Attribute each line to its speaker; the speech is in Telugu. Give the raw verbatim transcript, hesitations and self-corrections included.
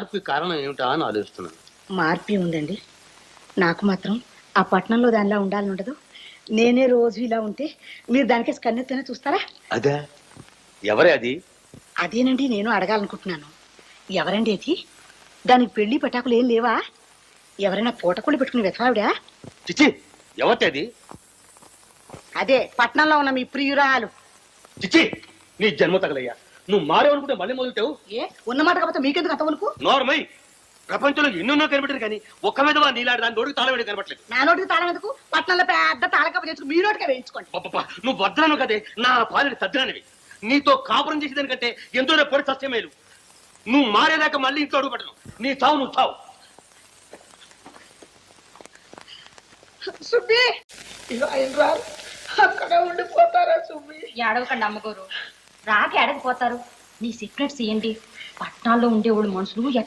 Speaker 1: మార్పు కారణం ఏమిటా అని ఆలోచిస్తున్నాను.
Speaker 2: మార్పే ఉందండి. నాకు మాత్రం ఆ పట్టణంలో దానిలా ఉండాలని ఉండదు. నేనే రోజు ఇలా ఉంటే మీరు దానికి కన్నెత్తనే చూస్తారా?
Speaker 1: అదే ఎవరే అది?
Speaker 2: అదేనండి నేను అడగాలనుకుంటున్నాను. ఎవరండి అది? దానికి పెళ్లి పటాకులు ఏం లేవా? ఎవరైనా పూటకుళ్ళు పెట్టుకుని వెతవావిడా?
Speaker 1: చిచ్చి, ఎవరిది అది?
Speaker 2: అదే పట్నంలో ఉన్న మీ ప్రియురాలు.
Speaker 1: చిచ్చి, నీ జన్మ తగలయ్యా. నువ్వు మారేవనుకుంటే మళ్ళీ మొదలుతావు.
Speaker 2: ఏ ఉన్నమాట కాకపోతే మీకెందుకు అంతవరకు?
Speaker 1: నోర్మై, ప్రపంచంలో ఎన్నెన్నో కనిపెట్టారు కానీ ఒక్క మీద నీలాంటి దాని నోటికి తాళం వేడి కనపట్లేదు.
Speaker 2: నా నోటికి తాళం ఎందుకు? పట్నంలో పెద్ద తాళకప్ప చేసుకుని మీ నోటికే వేయించుకోండి.
Speaker 1: పాపా, నువ్వు వద్దరాను కదే నా పాలిని సజ్జనవి. నీతో కాపురం చేసేదానికంటే ఎంతో పొడి సత్యమేలు. నువ్వు మారేదాకా మళ్ళీ ఇంట్లో అడుగు పెట్టను. నీ చావు నువ్వు చావు.
Speaker 2: సుబ్బి, అక్కడ ఉండిపోతారా సుబ్బి?
Speaker 3: ఏడవకండి అమ్మగారు, రాక ఏడకపోతారు. మీ సీక్రెట్స్ ఏంటి? పట్టణాల్లో ఉండేవాళ్ళు మనుషులు